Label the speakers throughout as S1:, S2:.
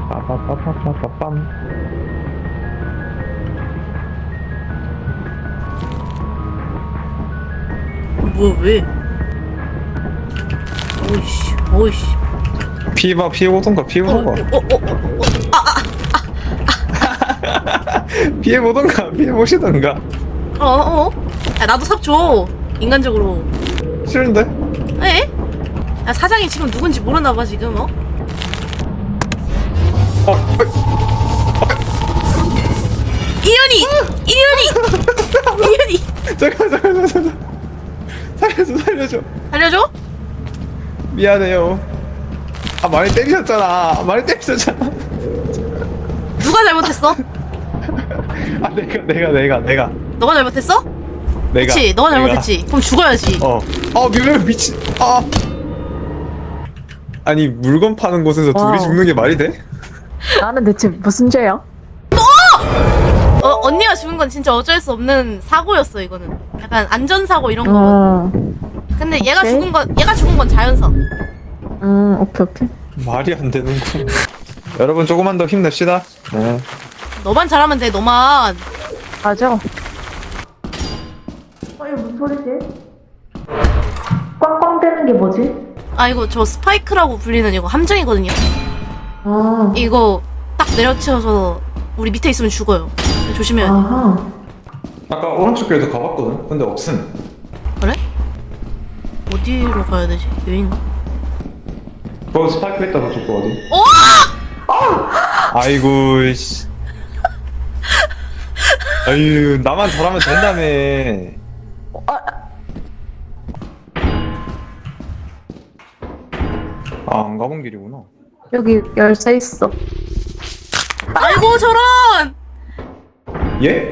S1: 빠빠빠빠빠빰.
S2: 뭐야 왜? 오이씨 오이씨.
S1: 피해봐, 피해보던가, 피해보던가. 피해보던가, 피해보시던가.
S2: 야 나도 삽 줘. 인간적으로.
S1: 싫은데?
S2: 에? 야 사장이 지금 누군지 모르나봐 지금 어? 이현이! 이현이!
S1: 잠깐. 살려줘.
S2: 알려줘?
S1: 미안해요. 아, 많이 때리셨잖아.
S2: 누가 잘못했어?
S1: 아, 내가.
S2: 너가 잘못했어?
S1: 내가.
S2: 그치 너가 잘못했지. 그럼 죽어야지.
S1: 미친. 아니, 물건 파는 곳에서
S3: 와우.
S1: 둘이 죽는 게 말이 돼?
S3: 나는 대체 무슨 죄야?
S2: 언니가 죽은 건 진짜 어쩔 수 없는 사고였어 이거는. 약간 안전사고 이런 거. 근데 얘가
S3: 오케이.
S2: 죽은 건 자연사.
S3: 오케이.
S1: 말이 안 되는군. 여러분, 조금만 더 힘냅시다. 네.
S2: 너만 잘하면 돼 너만.
S3: 맞아. 이거 무슨 소리지? 꽝꽝대는 게 뭐지?
S2: 아 이거 저 스파이크라고 불리는 이거 함정이거든요.
S3: 아,
S2: 이거 딱 내려치워서 우리 밑에 있으면 죽어요. 조심해야 돼.
S3: 아하.
S1: 아까 오른쪽 길도 가봤거든? 근데 없음.
S2: 그래? 어디로 가야 되지? 여긴가?
S1: 거기 스파이크 있다, 저쪽 거 어디? 아이고, 씨. 아유, 나만 잘하면 된다며. 아, 안 가본 길이구나.
S3: 여기 열쇠 있어.
S2: 아이고 저런!
S1: 예?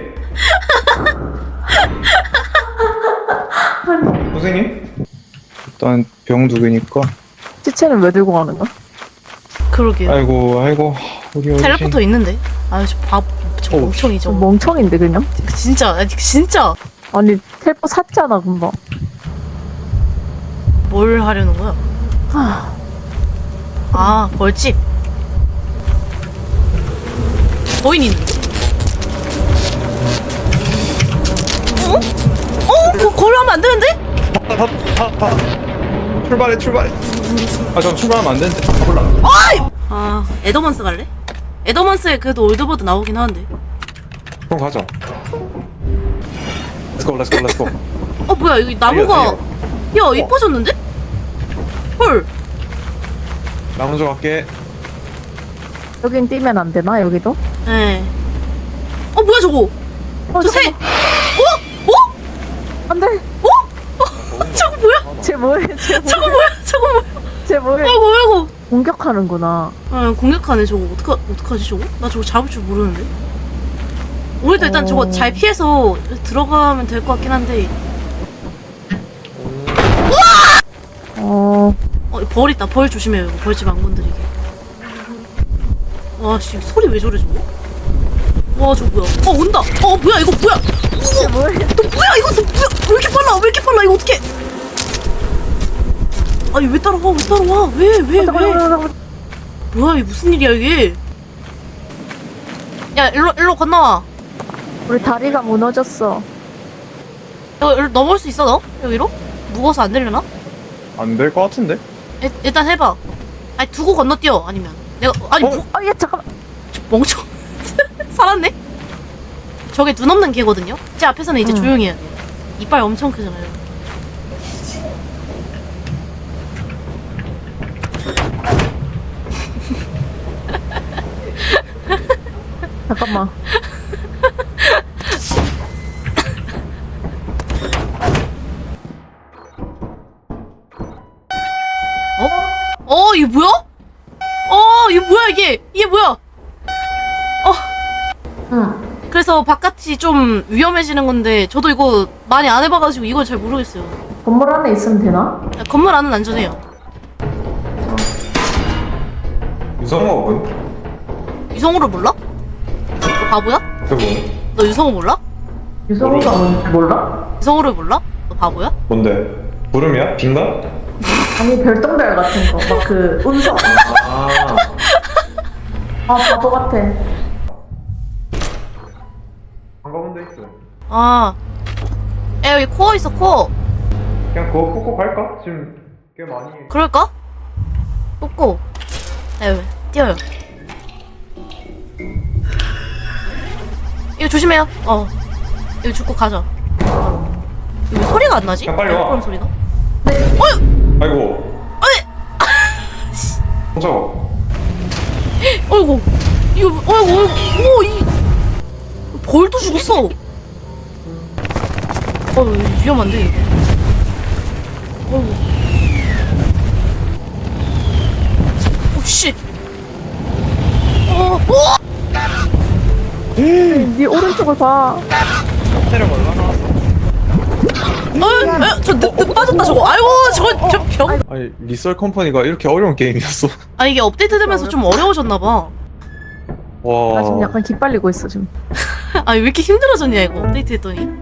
S1: 선생님? 일단 병 두 개니까.
S3: 시체는 왜 들고 가는 거야?
S2: 그러게요.
S1: 아이고, 우리 어르신.
S2: 텔레포터 있는데? 아유 저
S1: 어우,
S2: 멍청이
S3: 저
S2: 저거.
S3: 멍청인데 그냥?
S2: 진짜
S3: 아니 텔포 샀잖아 금방.
S2: 뭘 하려는 거야? 아 벌집. 거인 있는데? 그걸로 하면 안 되는데?
S1: 출발해. 아, 저 출발하면 안 되는데. 가볼라.
S2: 아 에더먼스 갈래? 에더먼스에 그래도 올드보드 나오긴 하는데.
S1: 그럼 가자. Let's go.
S2: 뭐야 여기 나무가 야 이뻐졌는데? 헐.
S1: 나 먼저 갈게.
S3: 여긴 뛰면 안 되나 여기도?
S2: 네. 뭐야 저거? 저 새.
S3: 안 돼.
S2: 저거 뭐야?
S3: 쟤 뭐해?
S2: 저거 뭐야?
S3: 쟤 뭐해?
S2: 아이고.
S3: 공격하는구나.
S2: 공격하네 저거. 어떡하지 저거? 나 저거 잡을 줄 모르는데. 우리도 일단 저거 잘 피해서 들어가면 될 것 같긴 한데. 벌 있다. 벌 조심해요. 이거 벌집 안 건드리게. 와, 씨, 소리 왜 저래, 저거? 와, 저거 뭐야? 온다! 뭐야, 이거 뭐야?
S3: 쟤 뭐해?
S2: 너 뭐야, 이거 너 뭐야? 왜 이렇게 빨라, 이거 어떡해? 아니, 왜 따라와? 왜? 뭐야, 이게 무슨 일이야, 이게? 야, 일로 건너와.
S3: 우리 다리가 무너졌어.
S2: 이거 넘어올 수 있어, 너? 여기로? 무거워서 안 되려나?
S1: 안 될 것 같은데?
S2: 일단 해봐. 아니, 두고 건너뛰어, 아니면. 내가,
S3: 얘 잠깐만.
S2: 멍청. 살았네? 저게 눈 없는 개거든요? 제 앞에서는 이제 조용히 해야 돼. 이빨 엄청 크잖아요.
S3: 잠깐만.
S2: 이게 뭐야? 이게 뭐야? 그래서 바깥이 좀 위험해지는 건데 저도 이거 많이 안 해봐가지고 이걸 잘 모르겠어요.
S3: 건물 안에 있으면 되나?
S2: 건물 안은 안전해요.
S1: 유성호군?
S2: 유성우를 몰라? 너 바보야?
S1: 그거
S2: 너 유성우 몰라?
S3: 유성우가 뭔지 몰라?
S2: 유성우를 몰라? 너 바보야?
S1: 뭔데? 구름이야? 빈가?
S3: 아니 별똥별 같은 거. 막 그 운석.
S1: 아.
S3: 아 바보 같아.
S1: 안 가본 데 있어.
S2: 아, 야 여기 코어 있어 코어.
S1: 그냥 그거 뽑고 갈까? 지금 꽤 많이 해.
S2: 그럴까? 뽑고. 야 뛰어요. 이거 조심해요. 이거 죽고 가자. 이거 왜 소리가 안 나지?
S1: 야, 빨리 와.
S2: 그런 소리가?
S1: 아이고. 멈춰.
S2: 어이구 이거 어이구 오이 벌도 죽었어. 위험한데 이거. 어이구. 씨.
S3: 네 오른쪽을 봐.
S1: 체력 얼마나 왔어?
S2: 저 빠졌다 저거. 아이고 저 병.
S1: 아니 리썰 컴퍼니가 이렇게 어려운 게임이었어.
S2: 아 이게 업데이트 되면서 좀 어려워졌나봐.
S1: 와.
S3: 나 지금 약간 기빨리고 있어 지금.
S2: 아 왜 이렇게 힘들어졌냐 이거 업데이트 했더니.